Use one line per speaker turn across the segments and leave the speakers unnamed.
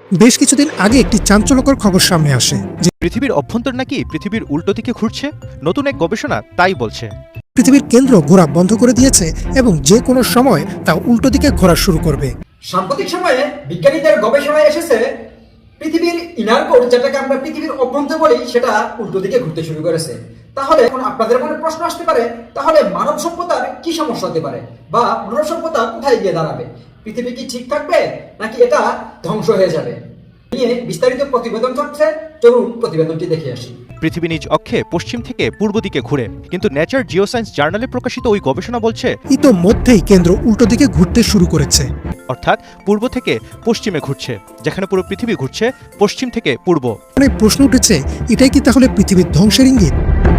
বেশ কিছুদিন আগে একটি চাঞ্চল্যকর খবর সামনে আসে যে
পৃথিবীর অভ্যন্তর নাকি পৃথিবীর উল্টো দিকে ঘুরছে। নতুন এক গবেষণা তাই বলছে।
পৃথিবীর কেন্দ্র ঘোরা বন্ধ করে দিয়েছে এবং যে কোনো সময় তা উল্টো দিকে ঘোরা শুরু করবে।
সাম্প্রতিক সময়ে বিজ্ঞানীদের গবেষণায় এসেছে পৃথিবীর ইনার কোর, যেটাকে আমরা পৃথিবীর অভ্যন্তর বলি, সেটা উল্টো দিকে ঘুরতে শুরু করেছে। তাহলে এখন আপনাদের মনে প্রশ্ন আসতে পারে, তাহলে মানব সভ্যতার কি সমস্যা হতে পারে, বা মানব সভ্যতা কোথায় গিয়ে দাঁড়াবে? পৃথিবী কি ঠিক থাকবে নাকি এটা ধ্বংস হয়ে যাবে নিয়ে বিস্তারিত প্রতিবেদন থাকছে। চলুন প্রতিবেদনটি দেখে আসি।
পৃথিবী নিজ অক্ষে পশ্চিম থেকে পূর্ব দিকে ঘুরে, কিন্তু নেচার জিওসায়েন্স জার্নালে প্রকাশিত ওই গবেষণা বলছে
ইতোমধ্যেই কেন্দ্র উল্টো দিকে ঘুরতে শুরু করেছে,
অর্থাৎ পূর্ব থেকে পশ্চিমে ঘুরছে, যেখানে পুরো পৃথিবী ঘুরছে পশ্চিম থেকে পূর্ব।
অনেক প্রশ্ন উঠেছে, এটাই কি তাহলে পৃথিবীর ধ্বংসের ইঙ্গিত?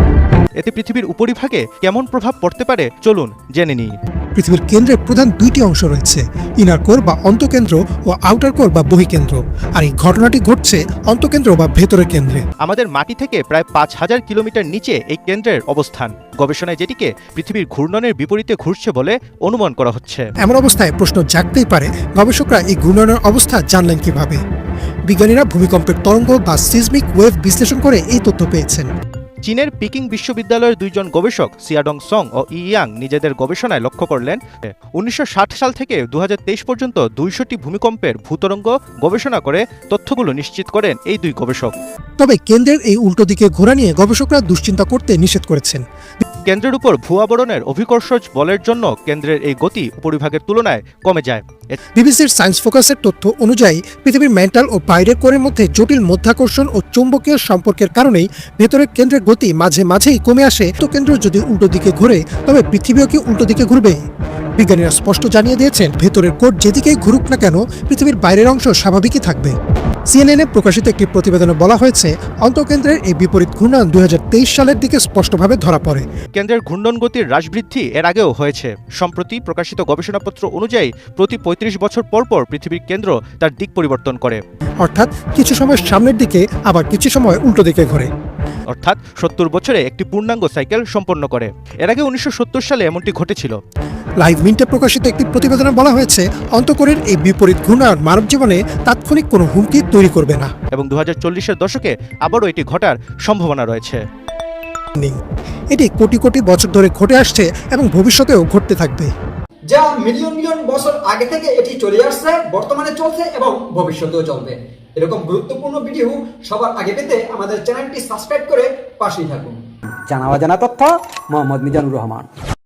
এতে পৃথিবীর উপরিভাগে কেমন প্রভাব পড়তে পারে চলুন জেনে নিই।
পৃথিবীর কেন্দ্রের প্রধান দুইটি অংশ রয়েছে, ইনার কোর বা অন্তঃকেন্দ্র ও আউটার কোর বা বহিকেন্দ্র। আর এই ঘটনাটি ঘটছে অন্তঃকেন্দ্র বা ভেতরের কেন্দ্রে।
আমাদের মাটি থেকে প্রায় ৫,০০০ কিলোমিটার নিচে এই কেন্দ্রের অবস্থান। গবেষণায় যেটিকে পৃথিবীর ঘূর্ণনের বিপরীতে ঘুরছে বলে অনুমান করা হচ্ছে।
এমন অবস্থায় প্রশ্ন জাগতেই পারে, গবেষকরা এই ঘূর্ণনের অবস্থা জানলেন কিভাবে? বিজ্ঞানীরা ভূমিকম্পের তরঙ্গ বা সিজমিক ওয়েভ বিশ্লেষণ করে এই তথ্য পেয়েছেন।
চীনের পিকিং বিশ্ববিদ্যালয়ের দুইজন গবেষক সিয়াডং সং ও ইয়াং নিজেদের গবেষণায় লক্ষ্য করলেন ১৯৬০ সাল থেকে ২০২৩ পর্যন্ত ২০০টি ভূমিকম্পের ভূতরঙ্গ গবেষণা করে তথ্যগুলো নিশ্চিত করেন এই দুই গবেষক।
তবে কেন্দ্রের এই উল্টো দিকে ঘোরা নিয়ে গবেষকরা দুশ্চিন্তা করতে নিষেধ করেছেন।
কেন্দ্রের উপর ভূয়াবরণের অভিকর্ষজ বলের জন্য কেন্দ্রের এই গতি উপরিভাগের তুলনায় কমে যায়।
বিবিসির সায়েন্স ফোকাসের তথ্য অনুযায়ী পৃথিবীর মেন্টাল ও বাইরের কোরের মধ্যে জটিল মধ্যাকর্ষণ ও চৌম্বকীয় সম্পর্কের কারণেই ভেতরের কেন্দ্রের গতি মাঝে মাঝেই কমে আসে। তো কেন্দ্র যদি উল্টো দিকে ঘুরে, তবে পৃথিবীও কি উল্টো দিকে ঘুরবে? বিজ্ঞানীরা স্পষ্ট জানিয়ে দিয়েছেন, ভেতরের কোর যেদিকেই ঘুরুক না কেন, পৃথিবীর বাইরের অংশ স্বাভাবিকই থাকবে। সিএনএনে প্রকাশিত একটি প্রতিবেদনে বলা হয়েছে, অন্তঃকেন্দ্রের এই বিপরীত ঘূর্ণন ২০২৩ সালের দিকে স্পষ্টভাবে ধরা পড়ে।
কেন্দ্রের ঘূর্ণন গতির হ্রাস বৃদ্ধি এর আগেও হয়েছে। সম্প্রতি প্রকাশিত গবেষণাপত্র অনুযায়ী প্রতি ৩৫ বছর পর পর পৃথিবীর কেন্দ্র তার দিক পরিবর্তন করে,
অর্থাৎ কিছু সময় সামনের দিকে, আবার কিছু সময় উল্টো দিকে ঘোরে।
অর্থাৎ ৭০ বছরে একটি পূর্ণাঙ্গ সাইকেল সম্পন্ন করে। এর আগে ১৯৭০ সালে এমনটি ঘটেছিল।
লাইভ মিন্টে প্রকাশিত একটি প্রতিবেদনে বলা হয়েছে, অন্তঃকোরের এই বিপরীত ঘূর্ণন মানব জীবনে তাৎক্ষণিক কোনো হুমকি তৈরি করবে না
এবং ২০৪০-এর দশকে আবারও এটি ঘটার সম্ভাবনা রয়েছে।
এটি কোটি কোটি বছর ধরে ঘটে আসছে এবং ভবিষ্যতেও ঘটতে থাকবে।
যা মিলিয়ন মিলিয়ন বছর আগে থেকে এটি চলে আসছে, বর্তমানে চলছে এবং ভবিষ্যতেও চলবে। এরকম গুরুত্বপূর্ণ ভিডিও সবার আগে পেতে আমাদের চ্যানেলটি সাবস্ক্রাইব করে পাশেই থাকুন।
জানা অজানা তথ্য মোহাম্মদ মিজানুর রহমান।